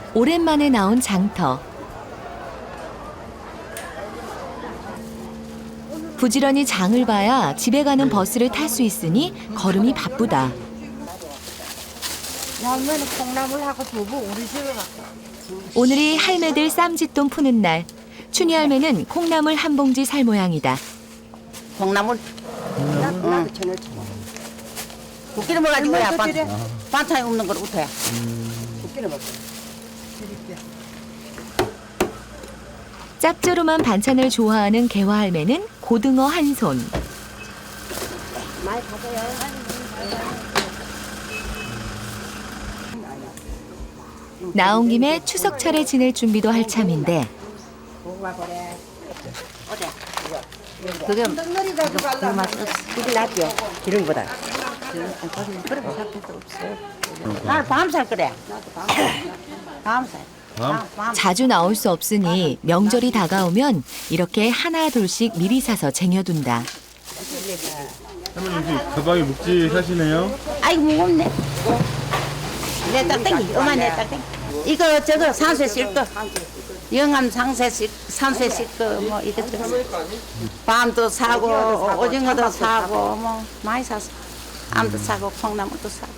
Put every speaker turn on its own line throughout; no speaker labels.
오랜만에 나온 장터. 부지런히 장을 봐야 집에 가는 버스를 탈 수 있으니 걸음이 바쁘다.
할머니 콩나물하고 두부 우리 집에 갖고.
오늘이 할매들 쌈짓돈 푸는 날. 춘희 할매는 콩나물 한 봉지 살 모양이다.
콩나물. 나도 전혀 국기를 먹어가지고 야 반찬이 없는 걸 못해. 국기를 먹어.
짭조름한 반찬을 좋아하는 개화 할매는 고등어 한 손.
많이 가세요.
나온 김에 추석 차례 지낼 준비도 할 참인데
그게 그 맛이 없어. 이게 낫죠. 기름보다. 그래 살필 수 없어. 나는 밤살 그래. 밤살. 밤?
자주 나올 수 없으니 명절이 다가오면 이렇게 하나 둘씩 미리 사서 쟁여둔다.
할머니 가방이 묵직하시네요.
아이고 무겁네. 내 딱땡이. 엄마 내 딱땡이. 이거 저거 산소에 쓸 거. 영암 산소에 쓸 거 뭐 이것저것. 밤도 사고 오징어도 사고 뭐 많이 샀어. 암도 사고 콩나물도 사고.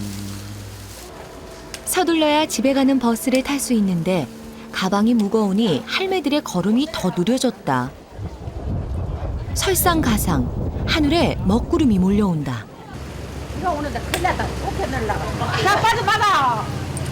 서둘러야 집에 가는 버스를 탈 수 있는데 가방이 무거우니 할매들의 걸음이 더 느려졌다. 설상가상 하늘에 먹구름이 몰려온다.
이거 오는데 큰일 났다. 어떻게 넣으려고. 자 빠져 받아.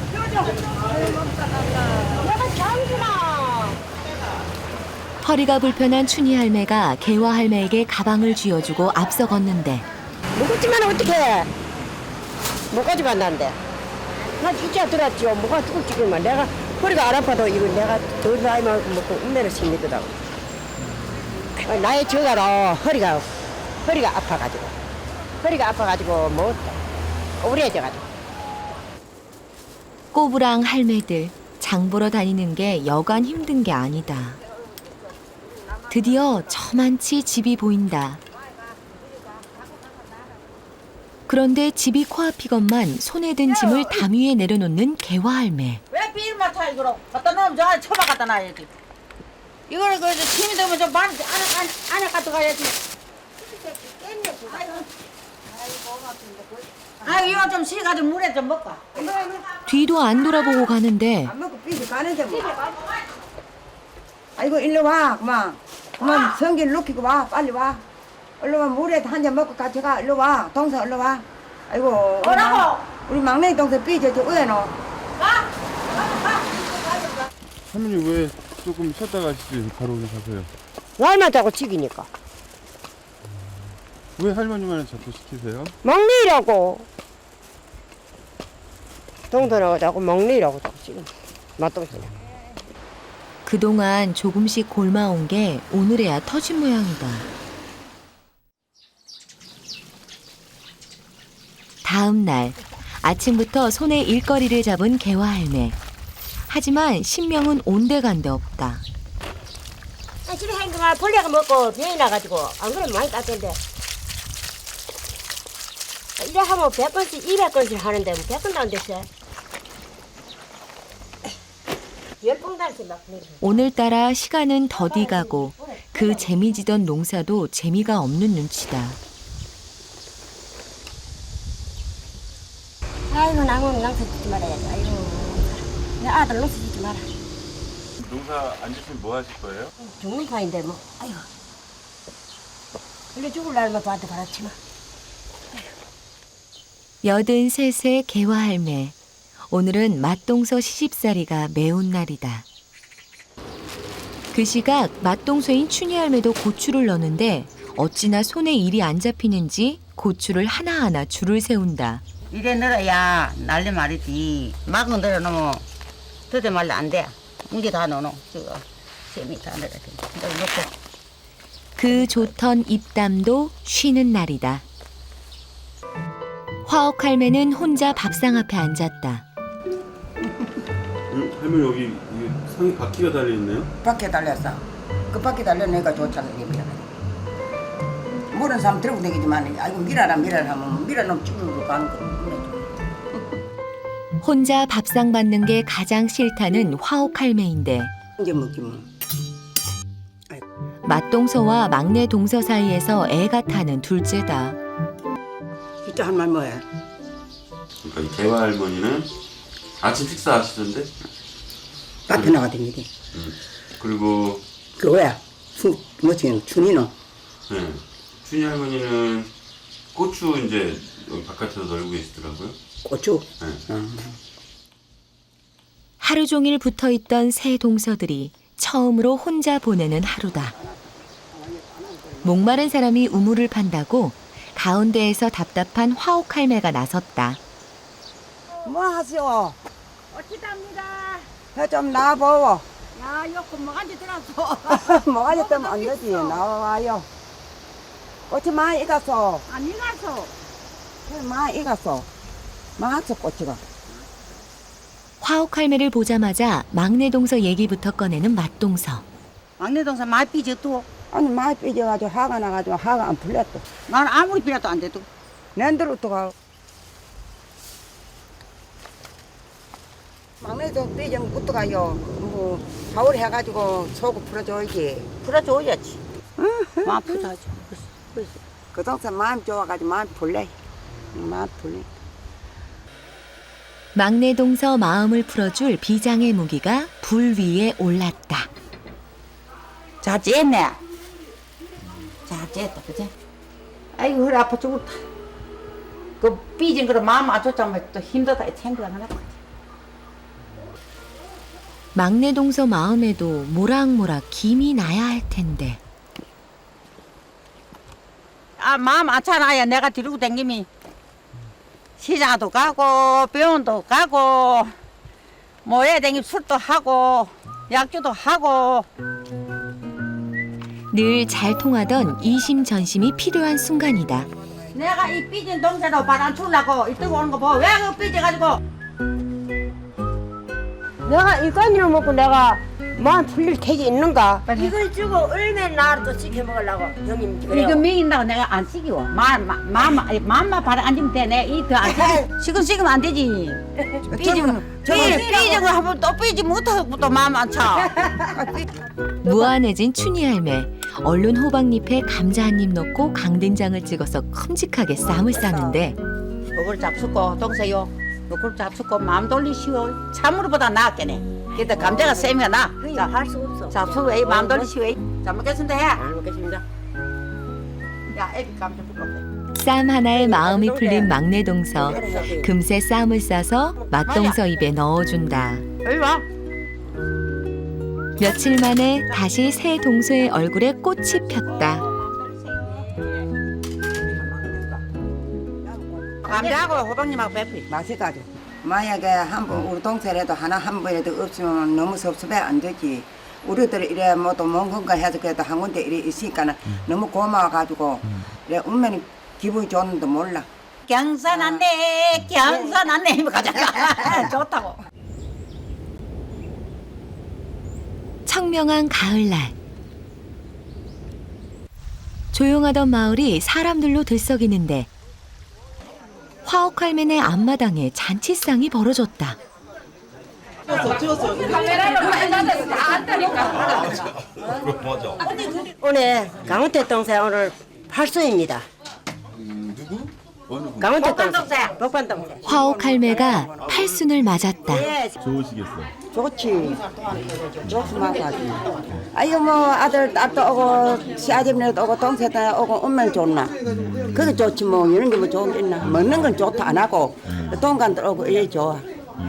내가 장구나.
허리가 불편한 춘희 할매가 개화 할매에게 가방을 쥐어주고 앞서 걷는데
무겁지만 어떡해. 뭐까지 만난대. 나 진짜 들었죠. 뭐가 죽을지만 내가 허리가 안 아파도 이거 내가 더 나이 먹고 운매를 심리더라고. 나의 저가로 허리가 아파가지고 뭐 우울해져가지고.
꼬부랑 할매들 장 보러 다니는 게 여간 힘든 게 아니다. 드디어 저만치 집이 보인다. 그런데 집이 코앞이건만 손에 든 짐을 담 위에 내려놓는 개화 할매.
왜 비닐만 타 이거로 갖다 놓으면 저 안에 처박 갖다 놔야지. 이거는 그 힘이 들면 좀 많이 안에 갖다 가야지. 아 이거 좀 식어가지고 물에 좀 먹고.
뒤도 안 돌아보고 가는데
안 먹고 삐지 가는데 뭐. 아이고 일로 와 그만 성기를 놓기고 와 빨리 와. 일로 와 물에 한 잔 먹고 같이 가. 일로 와 동생 일로 와. 아이고
뭐라고?
우리 막내 동생 삐져 저 위에 놓.
할머니 왜 조금 쉬었다 가시지 바로 오늘 가세요?
날만 자고 치기니까.
왜 할머니만 자꾸 시키세요?
먹니라고. 동선하고 자꾸 먹니라고 자꾸 지금. 맛동생.
그동안 조금씩 골마온 게 오늘에야 터진 모양이다. 다음 날 아침부터 손에 일거리를 잡은 개화 할매. 하지만 신명은 온데간데 없다.
집에 한가 벌레가 먹고 병이 나가지고 안 그러면 많이 땄던데. 이래 하면 100건씩 200건씩 하는데 뭐 100건도 안 됐어. 10봉다리씩 막 내려.
오늘따라 시간은 더디 가고 그 재미지던 농사도 재미가 없는 눈치다.
아이고 나무 낭사 짓지 말아야지. 아이고 내 아들 농사 짓지 마라.
농사 안 지시면 뭐 하실 거예요?
죽는 판인데 뭐. 아이고 원래 죽을 날만 저한테 바랐지만.
83세 개화 할매. 오늘은 맞동서 시집살이가 매운 날이다. 그 시각 맞동서인 춘희 할매도 고추를 넣는데 어찌나 손에 일이 안 잡히는지 고추를 하나하나 줄을 세운다.
이래 늘어야 날리 말이지. 막은 늘어놓으면 더대 말로 안 돼. 이게 다 넣어놓어. 저거 잼이 다 늘어야 돼. 넣고.
그 좋던 입담도 쉬는 날이다. 화옥 할매는 혼자 밥상 앞에 앉았다.
할머니 여기 상에 바퀴가 달려 있네요.
밖에 달렸어. 그 밖에 달려내가 좋잖아 이게. 모르는 사람 들고 다니지만 아이고 밀어라 하면 밀어놓으면 죽는 거 가는 거.
혼자 밥상 받는 게 가장 싫다는 화옥 할매인데
이제 먹지 뭐.
맏동서와 막내 동서 사이에서 애가 타는 둘째다.
진짜 할 말 뭐야?
그러니까 이 개화 할머니는 아침 식사 하시던데?
밭에 나가댕기지.
그리고
그 뭐야? 뭐지? 춘이노.
네. 춘희 할머니는 고추 이제 여기 바깥에서 널고 계시더라고요.
고추.
네.
하루 종일 붙어 있던 새 동서들이 처음으로 혼자 보내는 하루다. 목마른 사람이 우물을 판다고 가운데에서 답답한 화옥 할매가 나섰다.
뭐 하시오?
어찌답니다.
좀 나와보고.
야, 요거 뭐간지 들었어.
뭐가 때문에 안 되지. 나와요. 꽃이 많이 익었어.
안 익어서.
많이 익었어. 많았어, 꽃이가.
화옥 할매를 보자마자 막내 동서 얘기부터 꺼내는 맏동서.
막내 동생 많이 삐졌도.
아니, 많이 삐져가지고 화가 나가지고 화가 안 풀렸어.
나는 아무리 삐져도 안 돼도.
낸대로 또 가. 막내도 삐지면 못 가요. 뭐, 겨울 해가지고 속을 풀어줘야지.
풀어줘야지. 마음 풀어야지.
그 동생 마음 좋아가지고 마음 풀래. 마음 풀래.
막내 동서 마음을 풀어줄 비장의 무기가 불 위에 올랐다.
잘 지냈네. 잘 지냈다, 그지? 아이고, 허리 아파 죽었다. 그 삐진 거를 마음 안 좋자면 또 힘들다, 이 생각 하나 봐.
막내 동서 마음에도 모락모락 김이 나야 할 텐데.
아, 마음 안 차나야 내가 데리고 댕기면 시장도 가고 병원도 가고 뭐해 댕기 술도 하고 약주도 하고.
늘 잘 통하던 이심전심이 필요한 순간이다.
내가 이 삐진 동생으로 바람 추려고 이따가 오는 거 봐. 왜 그 삐져가지고.
내가 이까지는 먹고 내가 마음 풀릴 택이 있는가? 이걸 주고 얼마나 나를 또 시켜 먹으려고 형님
이거
그래요.
먹인다고 내가 안 시키고 마음만 바람 안 주면 돼. 내가 이더안 시키고 시키면 안 되지. 삐지고 하면 또 삐지 못하고 또 마음 안 차.
무안해진 춘희 할매. 얼른 호박잎에 감자 한 입 넣고 강된장을 찍어서 큼직하게 쌈을 싸는데
그걸 잡수고 동생요. 그걸 잡수고 마음 돌리시오. 참으로보다 나았겠네. 그때 감자가 쌤이가 나.
그게 할수 없어.
잡수고 이 마음 돌리시오. 잘 먹겠습니다. 해.
잘 먹겠습니다.
야, 애비 감자 불러.
쌈 하나에 마음이 풀린 막내 동서. 금세 쌈을 싸서 맏동서 입에 넣어준다.
여기 와.
며칠 만에 다시 새 동서의 얼굴에 꽃이 폈다.
감자하고 호박님하고 배풀이.
맛있가지고. 만약에 한번 우리 동생이라도 하나 한 번이라도 없으면 너무 섭섭해 안 되지. 우리들 이래 뭐또 뭔가 해서 그래도 한 군데 이래 있으니까는 너무 고마워가지고 이래 운명이 기분이 좋은데 몰라.
경선 안 돼, 경선 안 돼. 이거 가자. 좋다고.
청명한 가을날. 조용하던 마을이 사람들로 들썩이는데 화옥 할매네 앞마당에 잔치상이 벌어졌다.
오늘 강원태 동생 오늘 팔순입니다.
누구? 어느 분?
강원태 동생, 복반 동생.
화옥 할매가 팔순을 맞았다.
예,
좋으시겠어.
좋지. 좋지만가지고. 아이고 뭐 아들 딸도 오고 시아집네도 오고 동생도 오고 오면 좋나. 그게 좋지 뭐 이런 게 뭐 좋은 게 있나. 먹는 건 좋다 안 하고 동간들 오고 이래 좋아.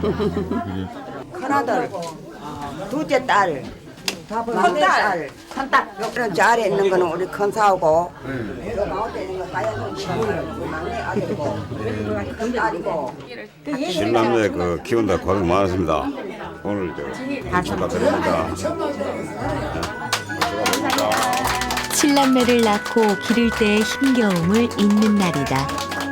큰아들, 둘째 딸, 막내 딸,
큰딸.
그런 자리에 있는 거는 우리 큰 사오고 저 가운데 있는 거 가야는 막내 아들이고 큰 딸이고.
신남매 그 키운다 고생 많았습니다. 오늘 저 축하드립니다.
칠남매를 낳고 기를 때의 힘겨움을 잊는 날이다.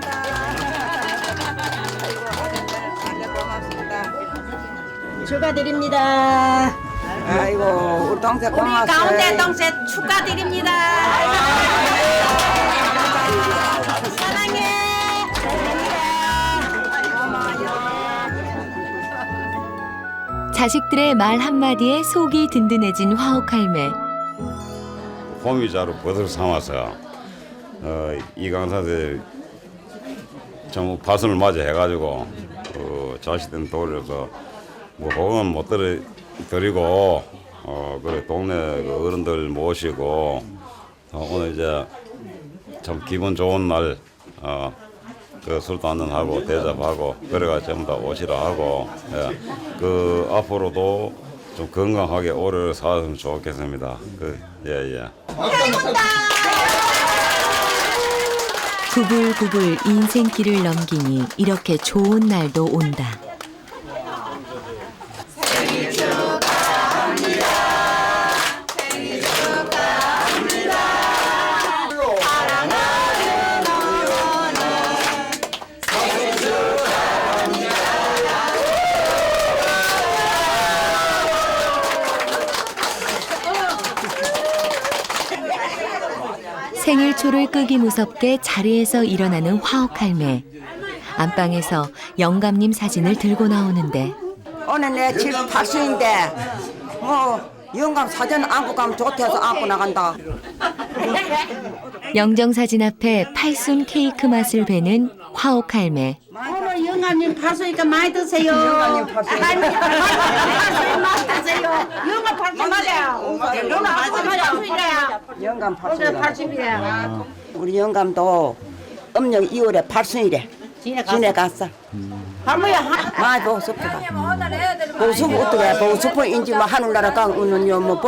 축하드립니다.
아이고 우리 동생
우리
고마웠어요.
가운데 동생 축하드립니다. 사랑해.
자식들의 말 한마디에 속이 든든해진 화옥할매.
호미자로 버섯을 삼아서 이강사들 좀 파선을 맞아 해가지고 자식들 돌려서 뭐 복은 못 드리고 그래 동네 그 어른들 모시고 오늘 이제 참 기분 좋은 날 그 술도 한잔 하고 대접하고 그래가 전부 다 오시라 하고 그 앞으로도 좀 건강하게 오래 살았으면 좋겠습니다. 예예.
구불구불 인생길을 넘기니 이렇게 좋은 날도 온다. 생일초를 끄기 무섭게 자리에서 일어나는 화옥할매. 안방에서 영감님 사진을 들고 나오는데
오늘 내 7, 80인데 뭐 영감 사진 안고 가면 좋대서 안고 나간다.
영정사진 앞에 팔순 케이크 맛을 베는 화옥할매.
오늘 영감님 파수니까 많이 드세요.
영감님 파수니까.
많이 드세요. 영감 파수 맞아요.
영감
오늘
80이라.
80이야.
우리 영감도 음력 2월에 8순이래. 지내 갔어.
할머니야.
많이 보고 싶어가. 보고 싶어 어떻게 보고 싶어 인지 뭐 하늘나라 가 오는 뭐